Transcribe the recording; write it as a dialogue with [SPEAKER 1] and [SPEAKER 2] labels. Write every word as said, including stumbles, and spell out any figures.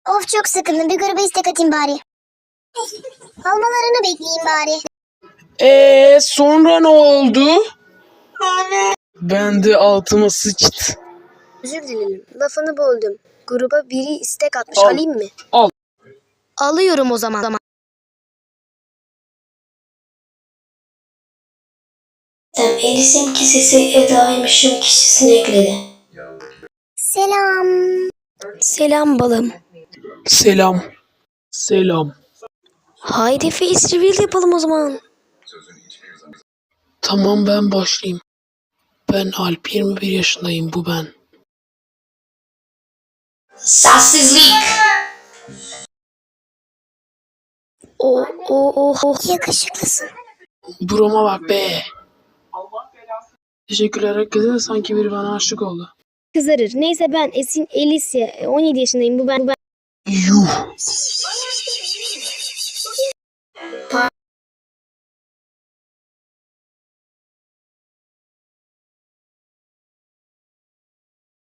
[SPEAKER 1] Of çok sıkıldım. Bir gruba istek atayım bari. Almalarını bekleyeyim bari.
[SPEAKER 2] Eee sonra ne oldu? Ben de altıma sıçtı.
[SPEAKER 3] Özür dilerim. Lafını böldüm. Gruba biri istek atmış.
[SPEAKER 2] Al.
[SPEAKER 3] Alayım mı?
[SPEAKER 2] Al.
[SPEAKER 3] Alıyorum o zaman.
[SPEAKER 4] Elis'in kisesi Eda'ymışım kişisini ekledi.
[SPEAKER 1] Selam.
[SPEAKER 3] Selam balım.
[SPEAKER 2] Selam. Selam.
[SPEAKER 3] Haydi face reveal yapalım o zaman.
[SPEAKER 2] Tamam ben başlayayım. Ben Alp, yirmi bir yaşındayım, bu ben.
[SPEAKER 4] Sessizlik.
[SPEAKER 3] O o o o.
[SPEAKER 1] Yakışıklısın.
[SPEAKER 2] Burama bak be. Teşekkürler herkese, sanki biri bana aşık oldu.
[SPEAKER 3] Kızarır. Neyse ben Esin Elisya. on yedi yaşındayım. Bu ben. Bu ben.
[SPEAKER 2] Yuh.